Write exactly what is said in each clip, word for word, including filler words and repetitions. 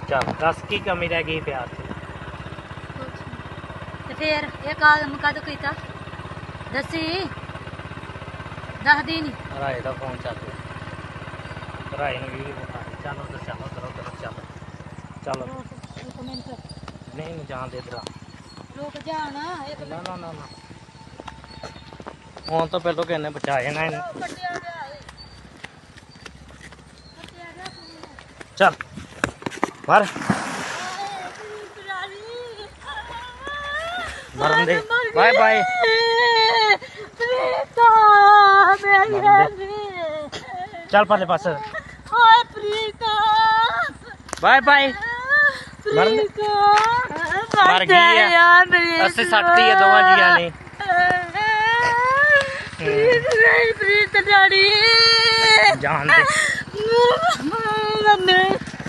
ਚੱਲ ਦੱਸ ਕੀ ਕਮੀ ਰਹਿ ਗਈ ਪਿਆਰ 'ਚ? ਤੇ ਫੇਰ ਇਹ ਕਾਲਮ ਕਦੋਂ ਕੀਤਾ ਦੱਸੀ ਦੱਸਦੀ ਨਹੀਂ। ਰਾਏ ਦਾ ਫੋਨ ਚੱਲ ਰਿਹਾ, ਰਾਏ ਨੂੰ ਵੀਡੀਓ ਵਿਖਾ ਦੇ। ਚੱਲ ਉਧਰ ਚੱਲ, ਉਧਰ ਉਧਰ ਚੱਲ ਚੱਲ। ਇੱਕ ਮਿੰਟ ਨਹੀਂ ਨੂੰ ਜਾਣ ਦੇ ਇਧਰ। ਰੁਕ ਜਾਣ ਇੱਕ ਨਾ ਨਾ ਨਾ ਨਾ ਹੁਣ ਤੋਂ ਪਹਿਲਾਂ ਕਿੰਨੇ ਬਚਾ ਜਾਣਾ ਇਹਨੂੰ। ਕੱਟਿਆ ਗਿਆ ਏ ਕੱਟਿਆ ਗਿਆ ਫੋਨ। ਚੱਲ ਮਰ ਮਰਨ ਦੇ। ਬਾਏ ਬਾਏ ਪ੍ਰੀਤਾ ਮੇਰੀ ਚੱਲ ਪਰਲੇ ਪਾਸੇ। ਹਾਏ ਪ੍ਰੀਤਾ ਬਾਏ ਬਾਏ। ਮਰਨ ਦੇ। ਮਰ ਗਈ ਆ। ਅਸੀਂ ਸੱਟਤੀ ਆ ਦੋਵਾਂ ਜੀਆਂ ਨੇ। ਪ੍ਰੀਤ ਪ੍ਰੀਤ ਡੈਡੀ ਜਾਣ ਦੇ। ਮੰਮੀ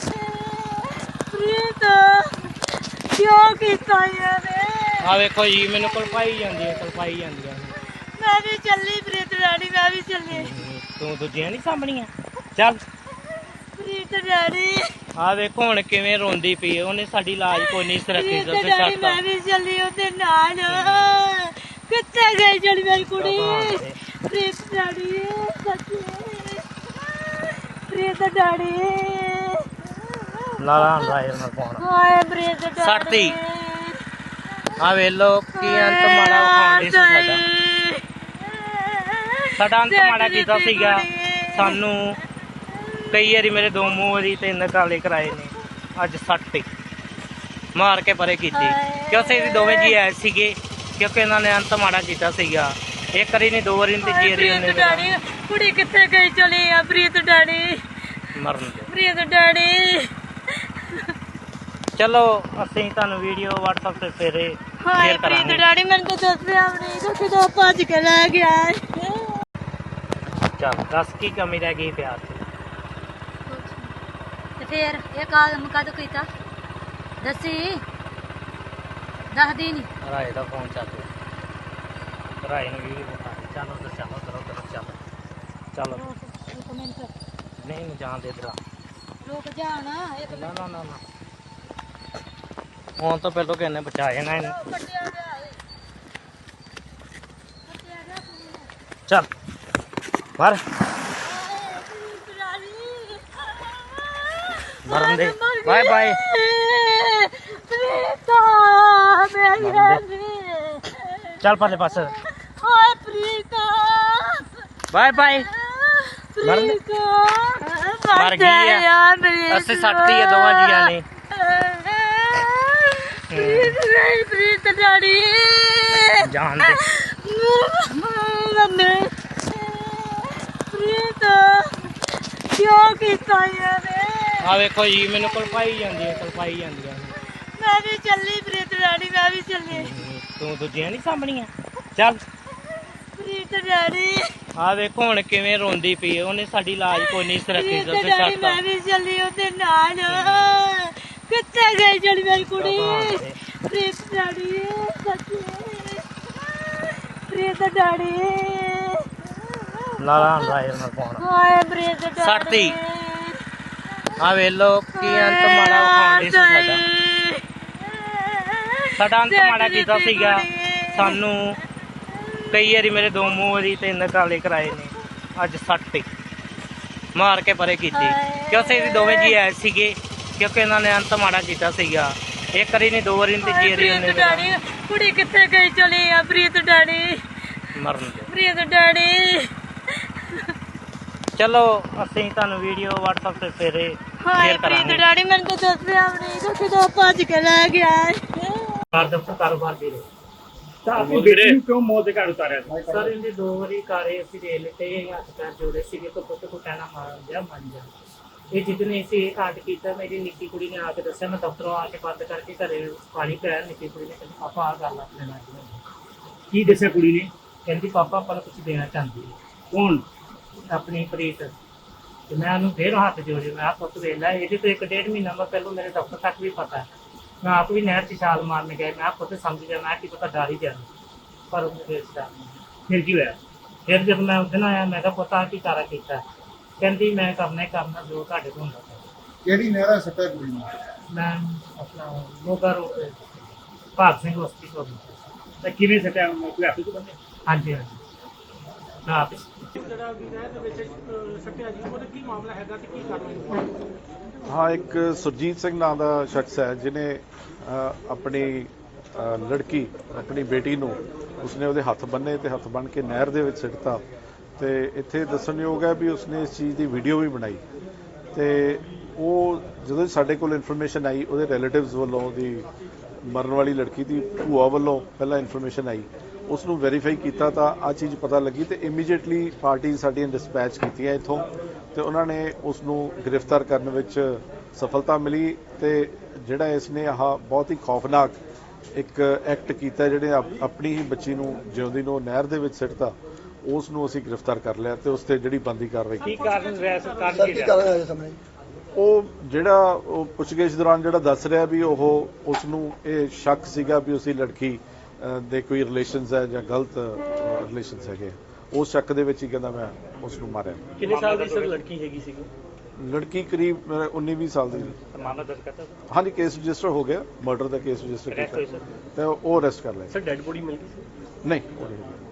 ਪ੍ਰੀਤ ਕਿਉਂ ਕੀਤਾ ਇਹਨੇ? ਆ ਵੇਖੋ ਜੀ ਮੈਨੂੰ ਕਲਪਾਈ ਜਾਂਦੀ ਹੈ, ਕਲਪਾਈ ਜਾਂਦੀਆਂ ਨੇ। ਮੈਂ ਵੀ ਚੱਲੀ ਪ੍ਰੀਤ ਡੈਡੀ, ਮੈਂ ਵੀ ਚੱਲੀ। ਤੂੰ ਦੂਜੀਆਂ ਨਹੀਂ ਸਾਂਭਣੀਆਂ। ਚੱਲ ਪ੍ਰੀਤ ਡੈਡੀ ਆ ਵੇਖੋ ਹੁਣ ਕਿਵੇਂ ਰੋਂਦੀ ਪਈ ਹੈ। ਉਹਨੇ ਸਾਡੀ ਲਾਜ ਕੋਈ ਨਹੀਂ ਰੱਖੀ। ਪ੍ਰੀਤ ਡੈਡੀ ਮੈਂ ਵੀ ਚੱਲੀ ਉਹਦੇ ਨਾਲ। ਕਿੱਥੇ ਗਈ ਜਿਹੜੀ ਮੇਰੀ ਕੁੜੀ? ਪ੍ਰੀਤ ਡੈਡੀ ਸੱਚੀ ਪ੍ਰੀਤ ਡੈਡੀ ਲਾਲਾ ਰਾਏ ਨਾਲ ਫੋਨ। ਹਾਏ ਪ੍ਰੀਤ ਡੈਡੀ ਸੱਟਤੀ। ਆ ਵੇ ਲੋ ਕੀ ਅੰਤ ਮਾੜਾ ਵਿਖਾਉਂਦੇ ਸੀ ਸਾਡਾ। ਸਾਡਾ ਅੰਤ ਮਾੜਾ ਕੀਤਾ ਸੀਗਾ। ਸਾਨੂੰ ਕਈ ਵਾਰੀ ਮੇਰੇ ਦੋ ਮੂੰਹ ਵਾਰੀ ਤਿੰਨ ਕਾਲੇ ਕਰਾਏ ਨੇ। ਅੱਜ ਸੱਟਤੀ ਮਾਰ ਕੇ ਪਰੇ ਕੀਤੀ ਕਿਉਂਕਿ ਅਸੀਂ ਦੋਵੇਂ ਜੀ ਆਏ ਸੀਗੇ। ਕਿਉਂਕਿ ਇਹਨਾਂ ਨੇ ਅੰਤ ਮਾੜਾ ਕੀਤਾ ਸੀਗਾ। ਇੱਕ ਵਾਰੀ ਨਹੀਂ, ਦੋ ਵਾਰੀ ਨਹੀਂ, ਤੀਜੀ ਵਾਰੀ ਉਹਨੇ ਡੈਡੀ ਕੁੜੀ ਕਿੱਥੇ ਗਈ ਚਲੀ ਆ? ਪ੍ਰੀਤ ਡੈਡੀ ਮਰਨ ਦੇ। ਪ੍ਰੀਤ ਡੈਡੀ ਚਲੋ ਅਸੀਂ ਤੁਹਾਨੂੰ ਵੀਡੀਓ WhatsApp ਤੇ ਫੇਰੇ ਹਾਏ ਸ਼ੇਅਰ ਪ੍ਰੀਤ ਕਰਾਂਗੇ। ਡੈਡੀ ਮੈਨੂੰ ਤਾਂ ਦੱਸਿਆ ਵੀ ਨਹੀਂ ਤਾਂ ਕਿਦੋਂ ਭੱਜ ਕੇ ਲੈ ਗਿਆ। ਚੱਲ ਦੱਸ ਕੀ ਕਮੀ ਰਹਿ ਗਈ ਪਿਆਰ 'ਚ? ਤੇ ਫੇਰ ਇਹ ਕਾਲਮ ਕਦੋਂ ਕੀਤਾ ਦੱਸੀ ਦੱਸਦੀ ਨਹੀਂ। ਰਾਏ ਦਾ ਫੋਨ ਚੱਲ ਰਿਹਾ, ਰਾਏ ਨੂੰ ਵੀਡੀਓ ਵਿਖਾ ਦੇ। ਚੱਲ ਉਧਰ ਚੱਲ, ਉਧਰ ਉਧਰ ਚੱਲ ਚੱਲ। ਇੱਕ ਮਿੰਟ ਨਹੀਂ ਨੂੰ ਜਾਣ ਦੇ ਇਧਰ। ਰੁਕ ਜਾਣ ਇੱਕ ਨਾ ਨਾ ਨਾ ਨਾ ਹੁਣ ਤੋਂ ਪਹਿਲਾਂ ਕਿੰਨੇ ਬਚਾ ਜਾਣਾ ਇਹਨੂੰ। ਕੱਟਿਆ ਗਿਆ ਏ ਕੱਟਿਆ ਗਿਆ ਫੋਨ। ਚੱਲ ਮਰ ਮਰਨ ਦੇ। Bye bye. ਪ੍ਰੀਤਾ ਮੇਰੀ ਚੱਲ ਪਰਲੇ ਪਾਸੇ। ਹਾਏ ਪ੍ਰੀਤਾ ਬਾਏ ਬਾਏ। ਮਰਨ ਦੇ। ਮਰ ਗਈ ਆ। ਅਸੀਂ ਸੱਟਤੀ ਆ ਦੋਵਾਂ ਜੀਆਂ ਨੇ। ਪ੍ਰੀਤ ਪ੍ਰੀਤ ਡੈਡੀ ਜਾਣ ਦੇ। ਮੰਮੀ ਪ੍ਰੀਤ ਕਿਉਂ ਕੀਤਾ ਇਹਨੇ? ਆ ਵੇਖੋ ਜੀ ਮੈਨੂੰ ਕਲਪਾਈ ਜਾਂਦੀ ਹੈ, ਕਲਪਾਈ ਜਾਂਦੀਆਂ ਨੇ। ਮੈਂ ਵੀ ਚੱਲੀ ਪ੍ਰੀਤ ਡੈਡੀ, ਮੈਂ ਵੀ ਚੱਲੀ। ਤੂੰ ਦੂਜੀਆਂ ਨਹੀਂ ਸਾਂਭਣੀਆਂ। ਚੱਲ ਪ੍ਰੀਤ ਡੈਡੀ ਆ ਵੇਖੋ ਹੁਣ ਕਿਵੇਂ ਰੋਂਦੀ ਪਈ ਹੈ। ਉਹਨੇ ਸਾਡੀ ਲਾਜ ਕੋਈ ਨਹੀਂ ਰੱਖੀ। ਪ੍ਰੀਤ ਡੈਡੀ ਮੈਂ ਵੀ ਚੱਲੀ ਉਹਦੇ ਨਾਲ। ਕਿੱਥੇ ਗਈ ਜਿਹੜੀ ਮੇਰੀ ਕੁੜੀ? ਪ੍ਰੀਤ ਡੈਡੀ ਸੱਚੀ ਪ੍ਰੀਤ ਡੈਡੀ ਲਾਲਾ ਰਾਏ ਨਾਲ ਫੋਨ। ਹਾਏ ਪ੍ਰੀਤ ਡੈਡੀ ਸੱਟਤੀ। ਆ ਵੇ ਲੋ ਕੀ ਅੰਤ ਮਾੜਾ ਵਿਖਾਉਂਦੇ ਸੀ ਸਾਡਾ। ਸਾਡਾ ਅੰਤ ਮਾੜਾ ਕੀਤਾ ਸੀਗਾ। ਸਾਨੂੰ ਕਈ ਵਾਰੀ ਮੇਰੇ ਦੋ ਮੂੰਹ ਵਾਰੀ ਤਿੰਨ ਕਾਲੇ ਕਰਾਏ ਨੇ। ਅੱਜ ਸੱਟਤੀ ਮਾਰ ਕੇ ਪਰੇ ਕੀਤੀ ਕਿਉਂਕਿ ਅਸੀਂ ਦੋਵੇਂ ਜੀ ਆਏ ਸੀਗੇ। ਕਿਉਂਕਿ ਇਹਨਾਂ ਨੇ ਅੰਤ ਮਾੜਾ ਕੀਤਾ ਸੀਗਾ। ਇੱਕ ਵਾਰੀ ਨਹੀਂ, ਦੋ ਵਾਰੀ ਨਹੀਂ, ਤੀਜੀ ਵਾਰੀ ਉਹਨੇ। ਡੈਡੀ ਕੁੜੀ ਕਿੱਥੇ ਗਈ ਚਲੀ ਆ? ਪ੍ਰੀਤ ਡੈਡੀ ਮਰਨ ਦੇ। ਪ੍ਰੀਤ ਡੈਡੀ ਚਲੋ ਅਸੀਂ ਤੁਹਾਨੂੰ ਵੀਡੀਓ WhatsApp ਤੇ ਫੇਰੇ ਹਾਏ ਸ਼ੇਅਰ ਪ੍ਰੀਤ ਕਰਾਂਗੇ। ਡੈਡੀ ਮੈਨੂੰ ਤਾਂ ਦੱਸਿਆ ਵੀ ਨਹੀਂ ਤਾਂ ਕਿਦੋਂ ਭੱਜ ਕੇ ਲੈ ਗਿਆ। ਕਰ ਦਫਤਰ ਕਾਰੋਬਾਰ ਦੇ ਰਹੇ ਤਾਂ ਆਪਣੀ ਬੇਟੀ ਨੂੰ ਕਿਉਂ ਮੌਤ ਦੇ ਘਰ ਉਤਾਰਿਆ ਸੀ? ਸਰ ਇਹਦੇ ਦੋ ਵਾਰੀ ਕਾਰੇ ਅਸੀਂ ਦੇ ਲਿੱਤੇ। ਇਹ ਹੱਥ ਪੈਰ ਜੋੜੇ ਸੀਗੇ ਤਾਂ ਪੁੱਤ ਕੋ ਕਹਿਣਾ ਮਾਰ ਜਾ ਮੰਨ ਜਾ। ਇਹ ਜਿੱਦਨੇ ਅਸੀਂ ਇਹ ਕਾਂਡ ਕੀਤਾ ਮੇਰੀ ਨਿੱਕੀ ਕੁੜੀ ਨੇ ਆ ਕੇ ਦੱਸਿਆ। ਮੈਂ ਦਫ਼ਤਰੋਂ ਆ ਕੇ ਬੰਦ ਕਰਕੇ ਘਰੇ ਪਾਣੀ ਪਿਆ। ਨਿੱਕੀ ਕੁੜੀ ਨੇ ਕਹਿੰਦੀ ਪਾਪਾ ਆ ਗੱਲ ਆਪਣੇ ਨਾਲ। ਕੀ ਦੱਸਿਆ ਕੁੜੀ ਨੇ? ਕਹਿੰਦੀ ਪਾਪਾ ਆਪਾਂ ਨੂੰ ਕੁਝ ਦੇਣਾ ਚਾਹੁੰਦੀ ਹੈ ਕੌਣ? ਆਪਣੀ ਪ੍ਰੀਤ। ਤੇ ਮੈਂ ਉਹਨੂੰ ਫੇਰ ਹੱਥ ਜੋੜੇ। ਮੈਂ ਆ ਪੁੱਤ ਵੇਖ ਲੈ ਇਹਦੇ ਤੋਂ ਇੱਕ ਡੇਢ ਮਹੀਨਾ ਮੈਂ ਪਹਿਲਾਂ ਮੇਰੇ ਦਫ਼ਤਰ ਤੱਕ ਵੀ ਪਤਾ। ਮੈਂ ਆਪ ਵੀ ਨਹਿਰ 'ਚ ਛਾਲ ਮਾਰਨ ਗਿਆ। ਮੈਂ ਪੁੱਤ ਸਮਝ ਗਿਆ ਮੈਂ ਕੀ ਪਤਾ ਡਰ ਹੀ ਜਾਣਾ ਪਰ ਉਹਨੇ ਫੇਰ ਡਰ ਨਹੀਂ। ਫਿਰ ਕੀ ਹੋਇਆ? ਫਿਰ ਜਦ ਮੈਂ ਉਸ ਦਿਨ ਆਇਆ ਮੈਂ ਕਿਹਾ ਪੁੱਤ ਆ ਕੀ ਕਾਰਾ ਕੀਤਾ? ਕਹਿੰਦੀ ਮੈਂ ਕਰਨਾ ਹੀ ਕਰਨਾ ਜੋ ਤੁਹਾਡੇ ਤੋਂ ਹੁੰਦਾ। ਕਿਹੜੀ ਨਹਿਰਾ ਸੱਟਾ ਕੁੜੀ ਨੂੰ? ਮੈਂ ਆਪਣਾ ਮੋਗਾ ਰੋਡ ਤੇ ਭਾਗ ਸਿੰਘ ਹਸਪੀਟਲ ਤੇ ਕਿਵੇਂ ਸਟਿਆ ਕੋਈ ਆਪੇ ਤੋਂ ਬੰਦੇ ਹਾਂਜੀ ਹਾਂਜੀ ਨਾ ਆਪੇ ਜਿਹੜਾ ਵੀ ਨਹਿਰ ਦੇ ਵਿੱਚ ਸੱਟਿਆ ਜੀ ਉਹਦਾ ਕੀ ਮਾਮਲਾ ਹੈਗਾ ਤੇ ਕੀ ਕਾਰਵਾਈ? ਹਾਂ, ਇੱਕ ਸੁਰਜੀਤ ਸਿੰਘ ਨਾਂ ਦਾ ਸ਼ਖਸ ਹੈ ਜਿਨੇ ਆਪਣੀ ਅ, ਲੜਕੀ ਆਪਣੀ ਬੇਟੀ ਨੂੰ ਉਸਨੇ ਉਹਦੇ ਹੱਥ ਬੰਨੇ ਤੇ ਹੱਥ ਬੰਨ ਕੇ ਨਹਿਰ ਦੇ ਵਿੱਚ ਸਿੱਟਤਾ। ਤੇ ਇੱਥੇ ਦੱਸਣਯੋਗ ਹੈ ਵੀ ਉਸਨੇ ਇਸ ਚੀਜ਼ ਦੀ ਵੀਡੀਓ ਵੀ ਬਣਾਈ ਤੇ ਉਹ ਜਦੋਂ ਸਾਡੇ ਕੋਲ ਇਨਫੋਰਮੇਸ਼ਨ ਆਈ ਉਹਦੇ ਰਿਲੇਟਿਵਸ ਵੱਲੋਂ ਉਹਦੀ ਮਰਨ ਵਾਲੀ ਲੜਕੀ ਦੀ ਭੂਆ ਵੱਲੋਂ ਪਹਿਲਾਂ ਇਨਫੋਰਮੇਸ਼ਨ ਆਈ, ਉਸ ਨੂੰ ਵੈਰੀਫਾਈ ਕੀਤਾ ਤਾਂ ਆ ਚੀਜ਼ ਪਤਾ ਲੱਗੀ ਤੇ ਇਮੀਡੀਏਟਲੀ ਪਾਰਟੀ ਸਾਡੀਆਂ ਡਿਸਪੈਚ ਕੀਤੀਆਂ ਇੱਥੋਂ ਤੇ ਉਹਨਾਂ ਨੇ ਉਸ ਨੂੰ ਗ੍ਰਿਫਤਾਰ ਕਰਨ ਵਿੱਚ ਸਫਲਤਾ ਮਿਲੀ। ਤੇ ਜਿਹੜਾ ਇਸ ਨੇ ਆਹ ਬਹੁਤ ਹੀ ਖੌਫਨਾਕ ਇੱਕ ਐਕਟ ਕੀਤਾ, ਜਿਹੜੇ ਆਪਣੀ ਹੀ ਬੱਚੀ ਨੂੰ ਜਿਉਂਦੀ ਨੂੰ ਨਹਿਰ ਦੇ ਵਿੱਚ ਸਿੱਟਤਾ, ਉਸ ਨੂੰ ਅਸੀਂ ਗ੍ਰਿਫਤਾਰ ਕਰ ਲਿਆ ਤੇ ਉਸ ਤੇ ਜਿਹੜੀ ਬਣਦੀ ਕਾਰਵਾਈ ਕੀ ਕੀਤੀ। ਕਾਰਨ ਰਿਹਾ ਸਰਕਾਰ ਕੀ ਉਹ ਜਿਹੜਾ ਉਹ ਪੁੱਛਗਿੱਛ ਦੌਰਾਨ ਜਿਹੜਾ ਦੱਸ ਰਿਹਾ ਵੀ ਉਹ ਉਸ ਨੂੰ ਇਹ ਸ਼ੱਕ ਸੀਗਾ ਵੀ ਉਸਦੀ ਲੜਕੀ ਅ, ਦੇ ਕੋਈ ਰਿਲੇਸ਼ਨਸ ਹੈ ਜਾਂ ਗਲਤ ਰਿਲੇਸ਼ਨਸ ਹੈਗੇ, ਉਸ ਸ਼ੱਕ ਦੇ ਵਿੱਚ ਹੀ ਕਹਿੰਦਾ ਮੈਂ ਉਸ ਨੂੰ ਮਾਰਿਆ। ਕਿੰਨੇ ਸਾਲ ਦੀ ਸਰ ਲੜਕੀ ਹੈਗੀ ਸੀਗੀ? ਲੜਕੀ ਕਰੀਬ ਉੱਨੀ ਵੀਹ ਸਾਲ ਦੀ। ਮਾਮਲਾ ਦਰਜ ਕਰਤਾ ਹਾਂਜੀ, ਕੇਸ ਰਜਿਸਟਰ ਹੋ ਗਿਆ, ਮਰਡਰ ਦਾ ਕੇਸ ਰਜਿਸਟਰ Arrest ਹੋਈ ਕੀਤਾ ਸਰ? ਤੇ ਉਹ ਅਰੈਸਟ ਕਰ ਲਿਆ। ਸਰ ਡੈਡ ਬੋਡੀ ਮਿਲ ਗਈ ਸੀ? ਨਹੀਂ ਉਹ ਨਹੀਂ।